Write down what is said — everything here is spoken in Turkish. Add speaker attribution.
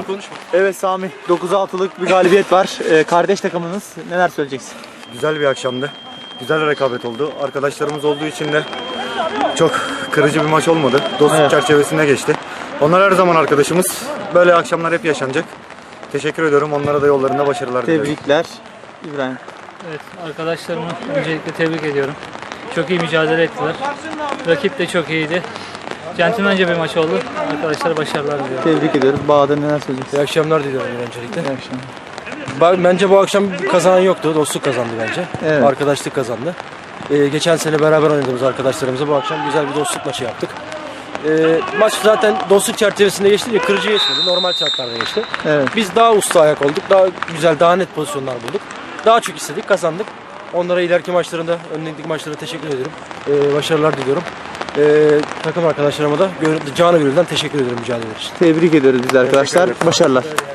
Speaker 1: konuşma.
Speaker 2: Evet Sami, 9-6'lık bir galibiyet var. Kardeş takımınız, neler söyleyeceksin?
Speaker 3: Güzel bir akşamdı. Güzel bir rekabet oldu. Arkadaşlarımız olduğu için de çok kırıcı bir maç olmadı. Dostluk çerçevesinde geçti. Onlar her zaman arkadaşımız. Böyle akşamlar hep yaşanacak. Teşekkür ediyorum. Onlara da yollarında başarılar diliyorum.
Speaker 2: Tebrikler İbrahim.
Speaker 4: Evet, arkadaşlarımı öncelikle tebrik ediyorum. Çok iyi mücadele ettiler. Rakip de çok iyiydi. Centilmence bir maç oldu. Arkadaşlara başarılar diliyorum.
Speaker 2: Tebrik ediyoruz. Bahadır neler söyleyeceksin?
Speaker 1: İyi akşamlar diliyorum öncelikle.
Speaker 2: İyi akşamlar.
Speaker 1: Bence bu akşam kazanan yoktu. Dostluk kazandı bence.
Speaker 2: Evet.
Speaker 1: Arkadaşlık kazandı. Geçen sene beraber oynadığımız arkadaşlarımızla bu akşam güzel bir dostluk maçı yaptık. Maç zaten dostluk çerçevesinde geçti diye kırıcı geçmedi. Normal şartlarda geçti.
Speaker 2: Evet.
Speaker 1: Biz daha usta ayak olduk. Daha güzel, daha net pozisyonlar bulduk. Daha çok istedik, kazandık. Onlara ileriki maçlarında, önündeki maçlara teşekkür ediyorum. Başarılar diliyorum. Takım arkadaşlarıma da canı gönülden teşekkür ediyorum mücadele için.
Speaker 2: Tebrik ediyoruz biz arkadaşlar. Başarılar.